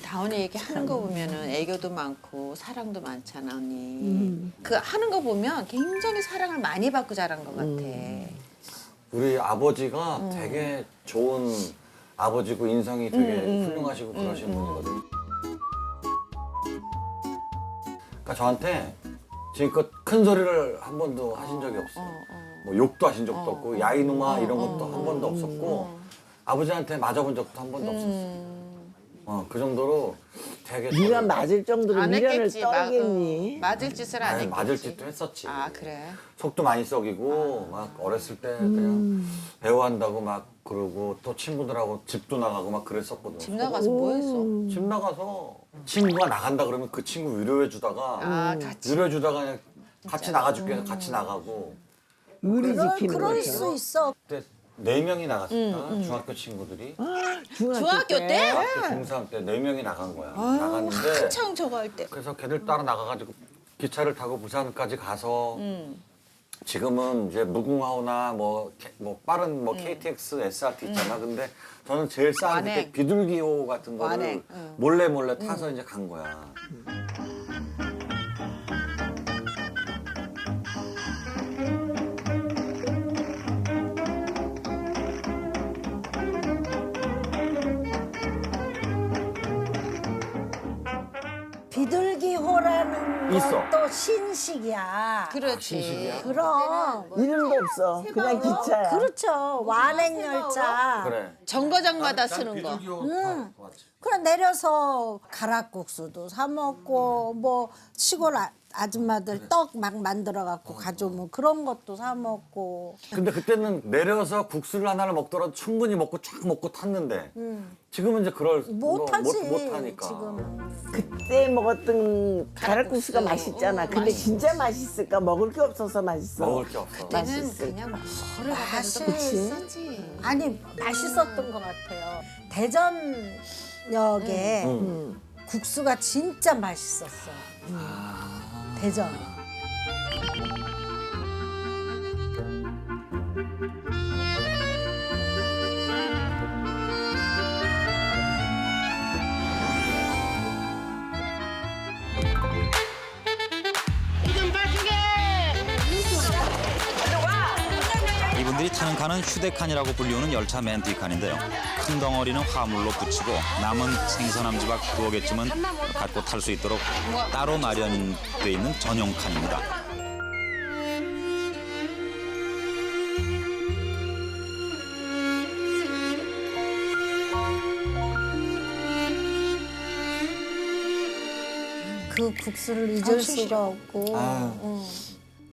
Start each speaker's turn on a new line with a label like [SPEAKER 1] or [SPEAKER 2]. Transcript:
[SPEAKER 1] 다원이 얘기 하는 거 보면은 애교도 많고 사랑도 많잖아 언니. 그 하는 거 보면 굉장히 사랑을 많이 받고 자란 것 같아.
[SPEAKER 2] 우리 아버지가 되게 좋은 아버지고 인성이 되게 훌륭하시고 그러신 분이거든. 그러니까 저한테 지금껏 큰 소리를 한 번도 하신 적이 없어. 뭐 욕도 하신 적도 없고 야이누마 이런 것도 한 번도 없었고 아버지한테 맞아본 적도 한 번도 없었어. 그 정도로 되게
[SPEAKER 3] 네가 맞을 정도로
[SPEAKER 1] 안
[SPEAKER 3] 미련을
[SPEAKER 1] 했겠지.
[SPEAKER 3] 떨겠니?
[SPEAKER 1] 맞을 짓을 안
[SPEAKER 2] 아니,
[SPEAKER 1] 했겠지.
[SPEAKER 2] 맞을 짓도 했었지.
[SPEAKER 1] 아 그래.
[SPEAKER 2] 속도 많이 썩이고 막 어렸을 때 그냥 배우한다고 막 그러고 또 친구들하고 집도 나가고 막 그랬었거든.
[SPEAKER 1] 집 나가서 뭐 했어?
[SPEAKER 2] 집 나가서 친구가 나간다 그러면 그 친구 위로해 주다가
[SPEAKER 1] 아 같이.
[SPEAKER 2] 위로해 주다가 그냥 같이 나가줄게 해서 같이 나가고
[SPEAKER 3] 의리 지키는
[SPEAKER 4] 그럴
[SPEAKER 3] 거죠.
[SPEAKER 4] 수 있어.
[SPEAKER 2] 그때 4명이 나갔었다 중학교 친구들이
[SPEAKER 1] 중학교 때?
[SPEAKER 2] 중학교 중3 때 4명이 나간 거야. 나갔는데
[SPEAKER 1] 한창 저거 할 때.
[SPEAKER 2] 그래서 걔들 따라 나가가지고 기차를 타고 부산까지 가서 지금은 이제 무궁화호나 뭐 빠른 뭐 KTX, SRT 있잖아. 근데 저는 제일 싼
[SPEAKER 1] 완행.
[SPEAKER 2] 그때 비둘기호 같은 거를
[SPEAKER 1] 완행,
[SPEAKER 2] 몰래 타서 이제 간 거야.
[SPEAKER 4] 비둘기호라는
[SPEAKER 2] 있어.
[SPEAKER 4] 것도 신식이야.
[SPEAKER 1] 그렇지.
[SPEAKER 2] 신식이야?
[SPEAKER 4] 그럼.
[SPEAKER 3] 이름도 없어. 그냥 기차야.
[SPEAKER 4] 그렇죠. 완행열차.
[SPEAKER 2] 그래.
[SPEAKER 1] 정거장마다 쓰는 거.
[SPEAKER 2] 비둘기호 타봤지.
[SPEAKER 4] 그래 내려서 가락국수도 사 먹고 뭐 시골 아줌마들 떡 막 만들어 갖고 가져오면 그런 것도 사 먹고.
[SPEAKER 2] 근데 그때는 내려서 국수를 하나를 먹더라도 충분히 먹고 쫙 먹고 탔는데 지금은 이제 그럴
[SPEAKER 4] 못하지
[SPEAKER 2] 못 하니까.
[SPEAKER 4] 지금.
[SPEAKER 3] 그때 먹었던 가락국수가 맛있잖아. 근데 진짜 맛있을까? 먹을 게 없어서 맛있어.
[SPEAKER 2] 먹을 게 없어.
[SPEAKER 1] 때는
[SPEAKER 3] 맛있을
[SPEAKER 1] 그냥 뭐를 갖다 줘도
[SPEAKER 4] 맛있지.
[SPEAKER 1] 맛있었지.
[SPEAKER 4] 아니 맛있었던 것 같아요. 대전역에 국수가 진짜 맛있었어. 대전.
[SPEAKER 5] 이분들이 타는 칸은 휴대칸이라고 불리우는 열차 맨 뒷칸인데요. 큰 덩어리는 화물로 붙이고 남은 생선 한 조각 두어 개쯤은 갖고 탈 수 있도록 따로 마련돼 있는 전용 칸입니다.
[SPEAKER 4] 그 국수를 잊을 수가 없고.
[SPEAKER 2] 아유.